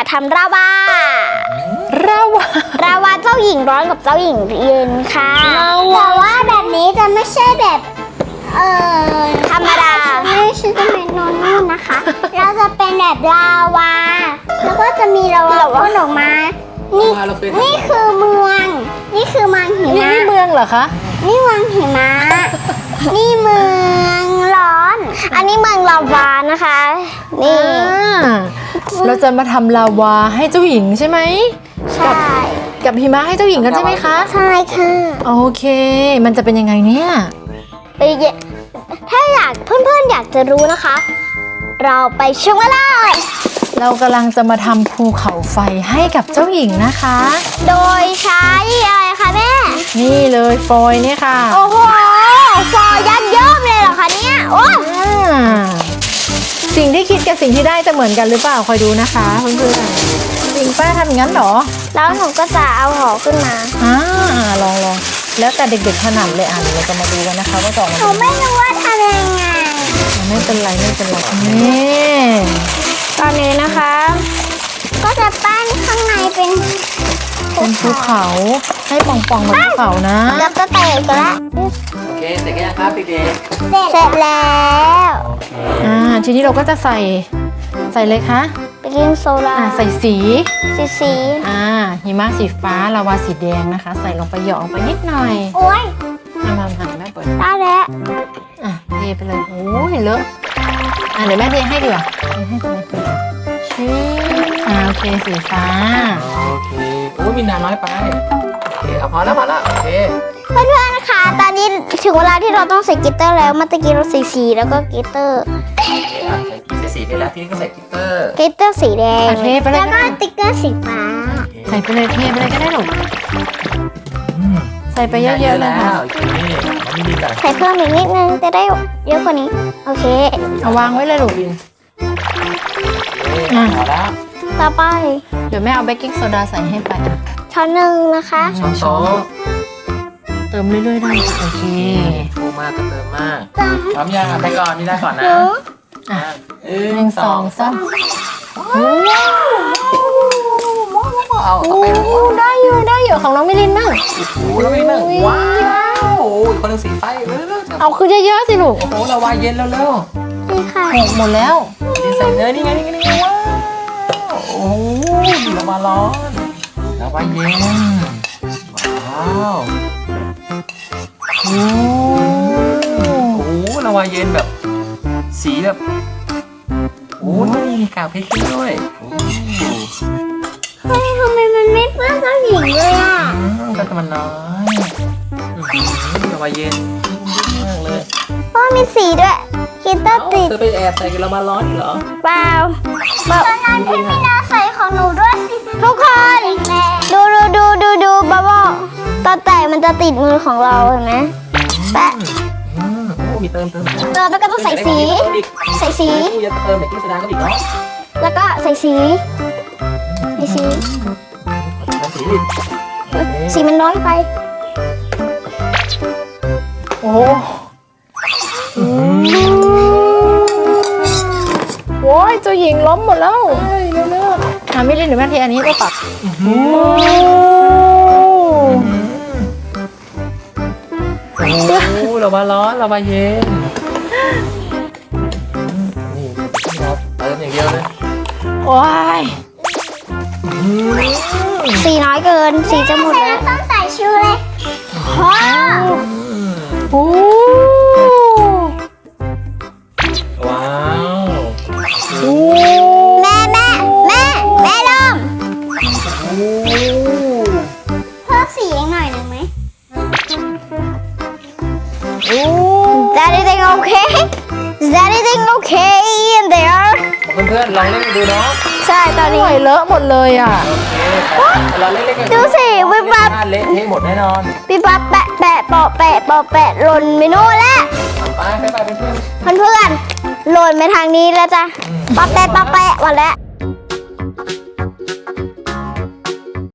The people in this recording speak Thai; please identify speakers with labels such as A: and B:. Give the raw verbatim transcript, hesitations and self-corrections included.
A: ทำราวา
B: ราวาร
A: าวาเจ้าหญิงร้อนกับเจ้าหญิงเย็นค่ะแต่ว่าแบบนี้จะไม่ใช่แบบเอ่อธรรมดาไม่ใช่จะเป็นนอนนู่นนะคะ เราจะเป็นแบบลาวาแล้วก็จะมีลาวาพ่นออกมานี่นี่คือเมืองนี่คือเมืองหิ
B: นี่
A: มะ
B: นี่เมืองเหรอคะ
A: นี่เมืองหิมะ นี่เมืองร้อน อันนี้เมืองลาวานะคะ นี่
B: อ่าเราจะมาทำลาวาให้เจ้าหญิงใช่ไหม
A: ใช่
B: กับหิมะให้เจ้าหญิงกันใช่ไหมคะ
A: ใช่ค่ะ
B: โอเค มันจะเป็นยังไงเนี่ย
A: ไปเยถ้าอยากเพื่อนๆอยากจะรู้นะคะ เราไปชมกันเลย
B: เรากำลังจะมาทำภูเขาไฟให้กับเจ้าหญิงนะคะ
A: โดยใช้อะไรคะแม่
B: นี่เลยฟอยล์เนี่ยค่ะ
A: โอ้โหฟอยัดเยิ้มเลยเหรอคะเนี่ยโอ้
B: อ่าสิ่งที่คิดกับสิ่งที่ได้จะเหมือนกันหรือเปล่าคอยดูนะคะเพื่อนๆจริงป้าทำอย่างนั้นเหรอ
A: แล้วหนูก็จะเอาห่อขึ้นมา
B: อ่าลองลองแล้วแต่เด็กๆถนัดเลยอ่ะเดี๋ยวเราจะมาดูกันนะคะว่าจะออกมา
A: หนูไม่รู้ว่าทำยังไง
B: ไม่เป็นไรไม่เป็นไรนี่
A: ตอนนี้นะคะ ก็จะปั้นข้างในเป็น
B: เป็นภูเขาให้ป่องๆเหมือนภูเขานะ
A: แล้วก็แตกกันละ
C: โอเคเสร็จกันยังครับเด็ก
A: เสร็จแล้ว
C: ๆโอเค
B: อ่าทีนี้เราก็จะใส่ใส่เลยคะ
A: ไปกินโซดา
B: อ่าใส่สี
A: สีสี
B: อ่าหิมะสีฟ้าลาวาสีแดงนะคะ ใส่ลงไปหยอกลงไปนิดหน่อย
A: โอ้ย
B: เอามาหันแม่เปิด
A: ได้แล้ว
B: อ่ะเทไปเลยโอ้ยเลอะอ่ะเดี๋ยวแม่เทให้ดีกว่าเทให้เลยชี้อ่าโอเคสีฟ้า
C: โอเคโอ้ยมีน้ำน้อยไปโอเคเอาพอแล้วพอแล้วโอเค
A: เพื่อนๆนะคะ ตอนนี้ถึงเวลาที่เราต้องใส่กลิตเตอร์แล้วเมื่อตะกี้เราใส่สีแล้วก็กลิตเตอร์
C: โอเคอ่ะใส่สีไปแล้วทีนี้ก็ใส่กลิตเตอร์
A: กลิตเตอร์สีแดง
B: อ่ะเทไปเลย
A: แล้วก็ติ๊กเกอร์สีฟ้า
B: ใส่ไปเลยเทไปเลยก็ได้หรอก
C: อืม
B: ใส่ไปเยอะๆเลยค่ะ
C: โอเคมันไม่มีแต่
A: ใส่เพิ่มอีกนิดนึงจะได้เยอะกว่านี้ โอเค
B: เอาวางไว้เลยลูก
C: โอเคพอแล้ว
A: ต่อไป
B: เดี๋ยวแม่เอาเบกกิ้งโซดาใส่ให้ไปอ่ะ
A: ช้อนหนึ่งนะคะ
C: ช้อนโต๊ะ
B: เติมเรื่อยๆได้โอเค
C: ฟูมากก็เติมมากพร้อมยังอ่ะไปก่อนนี่ได้ก่อนนะ
B: อ่ะ
C: หนึ่
B: หนึ่งสองสาม
C: เอาเอาไป
B: โอ้ได้อยู่ได้อยู่ของน้องมิลินบ้าง
C: โอ้โหแล้วมีมั่งว้าวโอ้ยคนหนึงสีไฟเร็วๆๆ
B: เอาคือเยอะๆสิลูก
C: โอ้โหละวายเย็นแล้วเร็ว
A: นี่ค่ะ
B: หกหมดแล้ว
C: ดีใส่เนยนี่ไงนี่ไงนี่ไงว้าวโอ้ยละวาร้อนละวาเย็นว้าวโอ้โหละวาเย็นแบบ สีแบบโอ้ยมีกากเพชรด้วยโอ้
A: เฮ้ยทำไมมันไม่เปื้อนเจ้าหญิงเลยอ่ะ
C: อืมก็จะมันน้อยอื้อหือละวาเย็นมากเลย
A: เพราะมีสีด้วยกลิตเตอ
C: เอ้า
A: ร์ติด
C: เธอไปแอบใส่กันละวาร้อนอีกเหรอ
A: เปล่าตอนนั้นพี่มีนาใส่ของหนูด้วยสิทุกคน ดูดูดูดูดูบับเบิ้ลตอนแตกมันจะติดมือของเราเห็นไหมแปะ
C: อืมโอ้มีเติมเติม
A: เติมแล้วก็ต้องใส่สี ใส่สี
C: กูจะเติมเด็กกินโซดาก็อีกเนาะ
A: แล้วก็ใส่สีใส่สี
C: แล้วสี
A: สีมันน้อยไป
B: โอ้โหโอ้ยเจ้าหญิงล้มหมดแล้วเร็วๆอ่ะมิลินเดี๋ยวแม่เทอันนี้ก็ปรับโอ้
C: โอ้เรามาร้อนเรามาเย็นนี่เราเติมอย่างเดียวเลย
B: โอ้ย
A: สีน้อยเกิน สีจะหมดแล้วต้องใส่ชูเลยว้าว
B: โอ้
C: ว้าว
B: โอ้
A: แม่แม่แม่แม่ลม
C: โอ้
A: เพิ่มสีอีกหน่อยหนึ่งไหม
B: โอ้
A: Is everything okay? Is everything okay in there?
C: เพื่อนๆลองเล่นดูเนาะ
A: ใช่ตอน
B: ห
A: นี้
B: น่อยเลอะหมดเลยอ่ะ
C: โอเคเราเล่นๆกัน
A: ดูสิวิบวับ
C: เละเทะหมดแน่นอน
A: พี่ป๊าแปะแปะปอแปะปอแปะหล่นไปโน่นแล้ว
C: ไปไปไปเพื่อน
A: เพื่อนๆหล่นไปทางนี้แล้วจ้ะปอแปะปอแปะหมดแล้ว